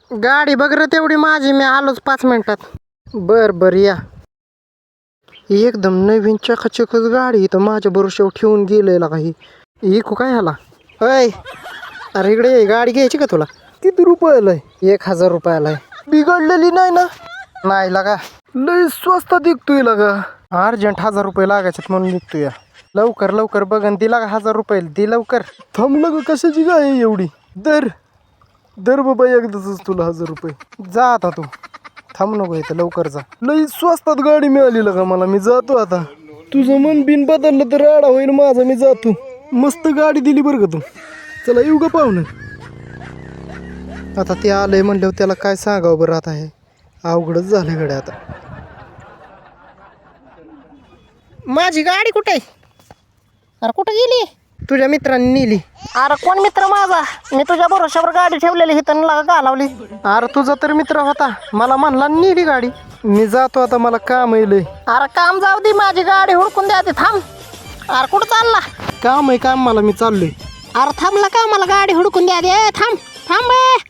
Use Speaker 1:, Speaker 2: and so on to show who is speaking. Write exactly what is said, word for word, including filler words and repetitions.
Speaker 1: गाडी बघ रे तेवढी माझी, मी आलोच पाच मिनिटात. बर बर या. एकदम नवीन चकाचकच गाडी इथं माझ्या भरोश्यावर ठेवून गेलेला काही. इकू काय ह्याला? अय अरे इकडे ये, गाडी घ्यायची का तुला? किती रुपयाला आहे? एक हजार रुपयाला आहे. बिघडलेली नाही ना? नाही लागा, लय स्वस्त दिखतोय लागा. अर्जंट हजार रुपये लागायचे म्हणून निघतोय या. लवकर लवकर बघन दिला का हजार रुपये, दे लवकर. थांबलं ग, कशाची गाय आहे एवढी? दर दर बाबा एकदाच तुला हजार रुपये. जा आता तू, थांब नको इथं, लवकर जा. लई स्वस्तात गाडी मिळाली का मला, मी जातो आता. तुझं मन बिन बदललं तर राडा होईल माझा, मी जातो. मस्त गाडी दिली बरं का तू. चला येऊ का पाहुणं? आता ते आलंय म्हणल्यावर त्याला काय सांगावं बरं, आता हे अवघडच झालं गड्या आता. माझी गाडी कुठे आहे?
Speaker 2: अरे कुठं गेली?
Speaker 1: तुझ्या मित्रांनी नेली.
Speaker 2: अरे कोण मित्र माझा? मी तुझ्या भरोश्यावर गाडी ठेवलेली हिथं लागा घालावली.
Speaker 1: अरे तुझा तर मित्र होता, मला म्हणला नेली गाडी. मी जातो आता, मला काम येईल.
Speaker 2: अरे काम जाऊ दे, माझी गाडी हुडकून द्या ते. थांब. अरे कुठं चालला?
Speaker 1: काम आहे काम मला, मी चाललोय.
Speaker 2: अरे थांबला का, मला गाडी हुडकून द्या दे. थांब थांब.